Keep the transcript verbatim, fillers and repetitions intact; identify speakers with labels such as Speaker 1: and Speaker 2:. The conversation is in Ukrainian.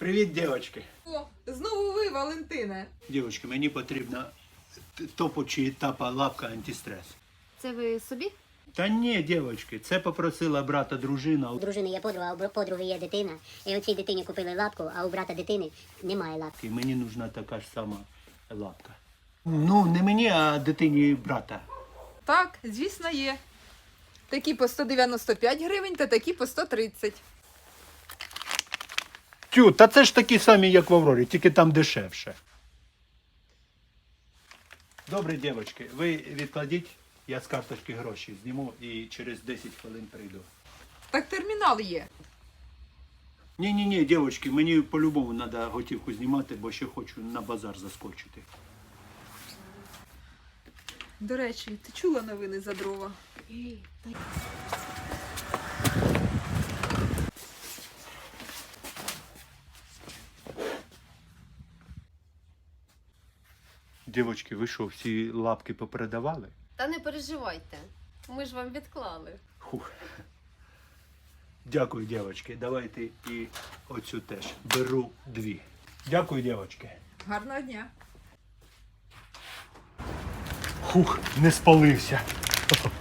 Speaker 1: Привіт, дівчатки.
Speaker 2: О, знову ви, Валентине.
Speaker 1: Дівчатки, мені потрібна топу чи тапа лапка антистрес.
Speaker 3: Це ви собі?
Speaker 1: Та ні, дівчатки, це попросила брата дружина.
Speaker 4: У дружини є подруга, а у подруги є дитина. І оцій дитині купили лапку, а у брата дитини немає лапки.
Speaker 1: І мені нужна така ж сама лапка. Ну, не мені, а дитині брата.
Speaker 2: Так, звісно, є. Такі по сто дев'яносто п'ять гривень та такі по сто тридцять.
Speaker 1: Тю, та це ж такі самі, як в Аврорі, тільки там дешевше. Добре, дівчатки, ви відкладіть, я з карточки гроші зніму і через десять хвилин прийду.
Speaker 2: Так термінал є.
Speaker 1: Ні-ні-ні, дівчатки, мені по-любому треба готівку знімати, бо ще хочу на базар заскочити.
Speaker 2: До речі, ти чула новини за дрова?
Speaker 1: Дівчатки, ви що, всі лапки попередавали?
Speaker 3: Та не переживайте. Ми ж вам відклали.
Speaker 1: Хух. Дякую, дівчатки. Давайте і оцю теж. Беру дві. Дякую, дівчатки.
Speaker 2: Гарного дня.
Speaker 1: Хух, не спалився.